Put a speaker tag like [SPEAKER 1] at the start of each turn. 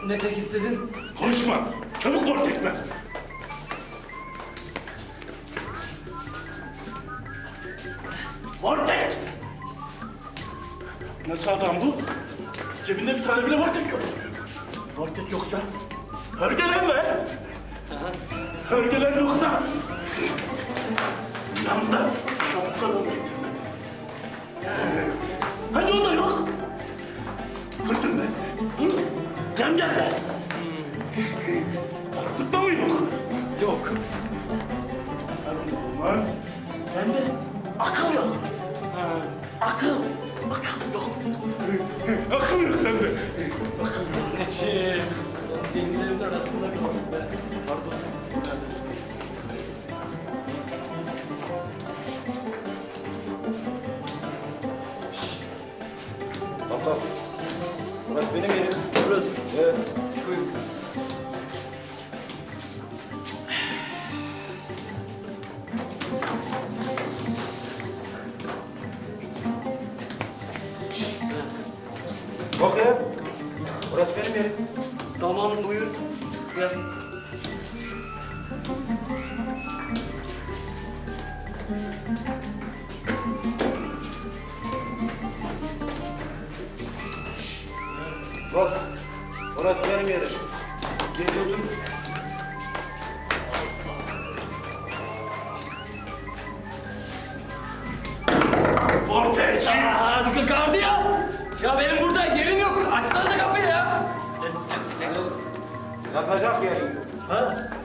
[SPEAKER 1] Ne tek istedin?
[SPEAKER 2] Konuşma. Çabuk bol tekme. Vortek! Nasıl adam bu? Cebinde bir tane bile Vortek yok. Vortek yoksa Hörgelen mi? Hörgelen yoksa yanında şapka da mı getirmedi? Hadi o da yok. Fırtın be. Gemgeller. Attıkta mı yok?
[SPEAKER 1] Yok.
[SPEAKER 2] Olmaz. Sende akıl yok. Akıl. Akıl yok. Akıl yok sende.
[SPEAKER 1] Anneciğim. Delilerin arasında kaldım ben. Pardon.
[SPEAKER 3] Tamam. Burası benim yerim.
[SPEAKER 1] Burası.
[SPEAKER 3] Evet.
[SPEAKER 1] Buyurun.
[SPEAKER 3] Bak ya. Burası benim yerim.
[SPEAKER 1] Tamam buyur. Gel.
[SPEAKER 3] Bak. Burası benim yerim.
[SPEAKER 1] Geç otur.
[SPEAKER 2] Vortek.
[SPEAKER 1] Gardiyan! Ya benim burada yerim yok. Açsanıza kapıyı ya.
[SPEAKER 3] Yatacak yerim yok.
[SPEAKER 1] Ha?